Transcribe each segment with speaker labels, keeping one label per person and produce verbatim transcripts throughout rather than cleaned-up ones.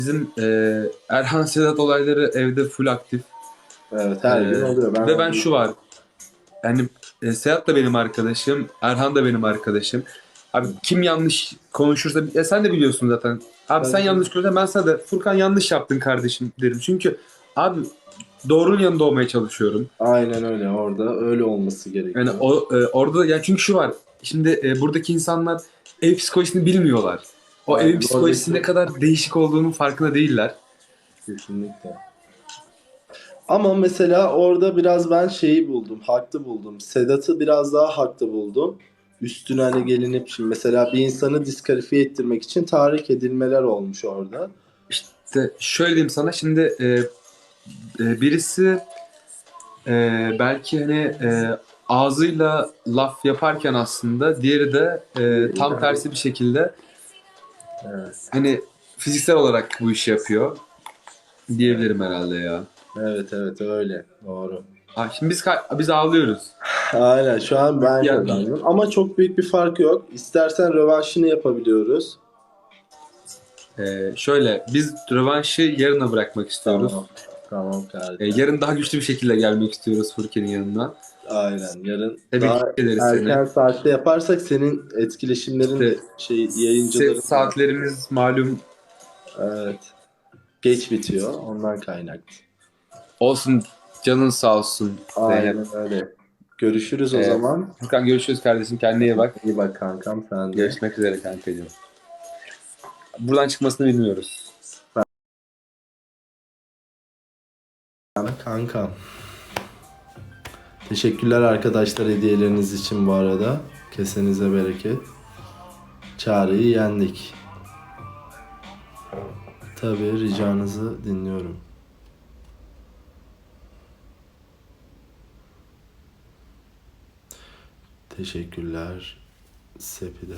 Speaker 1: Bizim e, Erhan Sedat olayları evde full aktif.
Speaker 2: Evet, her gün
Speaker 1: E,
Speaker 2: oluyor. Ben
Speaker 1: ve ben
Speaker 2: onu-
Speaker 1: şu var. Yani e, Sedat da benim arkadaşım. Erhan da benim arkadaşım. Abi kim yanlış konuşursa ya sen de biliyorsun zaten. Abi sen
Speaker 2: Ben-
Speaker 1: yanlış konuşursan ben sana da Furkan yanlış yaptın kardeşim derim. Çünkü abi doğrunun yanında olmaya çalışıyorum.
Speaker 2: Aynen öyle. Orada öyle olması
Speaker 1: Yani
Speaker 2: gerekiyor.
Speaker 1: o e, orada yani çünkü şu var. Şimdi e, buradaki insanlar ev psikolojisini bilmiyorlar. O evin
Speaker 2: Aynen.
Speaker 1: psikolojisi ne
Speaker 2: Oradaki
Speaker 1: kadar değişik olduğunun farkında değiller.
Speaker 2: kesinlikle. Ama mesela orada biraz ben şeyi buldum. Haklı buldum. Sedat'ı biraz daha haklı buldum. Üstüne hani gelinip şimdi mesela bir insanı diskalifiye ettirmek için tahrik edilmeler olmuş orada.
Speaker 1: İşte şöyle diyeyim sana şimdi e, e, birisi e, belki hani e, ağzıyla laf yaparken aslında diğeri de e, tam tersi bir şekilde
Speaker 2: Evet.
Speaker 1: hani fiziksel olarak bu işi yapıyor
Speaker 2: Evet.
Speaker 1: diyebilirim herhalde ya.
Speaker 2: Evet, evet öyle. Doğru.
Speaker 1: Ha, şimdi biz ka- biz ağlıyoruz.
Speaker 2: Aynen şu an ben
Speaker 1: Yani
Speaker 2: kazandım. Ama çok büyük bir fark yok. İstersen rövanşını yapabiliyoruz.
Speaker 1: e, şöyle biz rövanşı yarına bırakmak istiyoruz.
Speaker 2: Tamam. Tamam
Speaker 1: E,
Speaker 2: kardeşim.
Speaker 1: yarın daha güçlü bir şekilde gelmek istiyoruz Furkan'ın yanına.
Speaker 2: Aynen. Yarın
Speaker 1: Tebrik
Speaker 2: daha
Speaker 1: ederiz seni.
Speaker 2: erken saatte yaparsak senin etkileşimlerin de
Speaker 1: İşte
Speaker 2: şey
Speaker 1: set
Speaker 2: yayıncıların da
Speaker 1: saatlerimiz malum
Speaker 2: evet geç bitiyor. Ondan kaynaklı.
Speaker 1: olsun, canın sağ olsun Zeynep.
Speaker 2: Aynen öyle. Görüşürüz o
Speaker 1: Ee,
Speaker 2: zaman.
Speaker 1: Furkan görüşürüz kardeşim. Kendine iyi bak.
Speaker 2: İyi bak kankam sen de.
Speaker 1: Görüşmek üzere kankacığım. Buradan çıkmasını bilmiyoruz.
Speaker 2: Kankam. Teşekkürler arkadaşlar hediyeleriniz için bu arada. Kesenize bereket. Çağrı'yı yendik. Tabii ricanızı dinliyorum. Teşekkürler Sepide.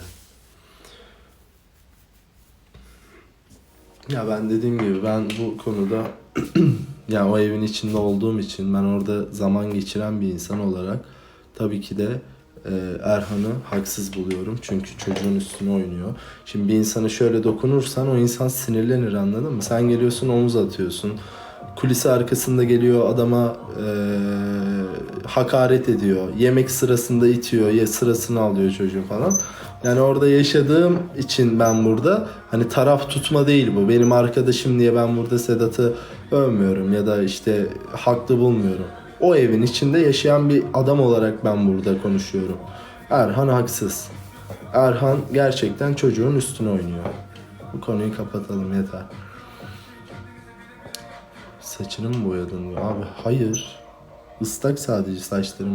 Speaker 2: Ya ben dediğim gibi ben bu konuda ya o evin içinde olduğum için ben orada zaman geçiren bir insan olarak tabii ki de e, Erhan'ı haksız buluyorum. Çünkü çocuğun üstüne oynuyor. Şimdi bir insana şöyle dokunursan o insan sinirlenir, anladın mı? Sen geliyorsun omuz atıyorsun. Kulisi arkasında geliyor adama e, hakaret ediyor. Yemek sırasında itiyor. Ya sırasını alıyor çocuğun falan. Yani orada yaşadığım için ben burada hani taraf tutma değil bu. Benim arkadaşım diye ben burada Sedat'ı övmüyorum ya da işte haklı bulmuyorum. O evin içinde yaşayan bir adam olarak ben burada konuşuyorum. Erhan haksız. Erhan gerçekten çocuğun üstüne oynuyor. Bu konuyu kapatalım yeter. Saçını mı boyadın? Abi hayır. Islak sadece saçlarım.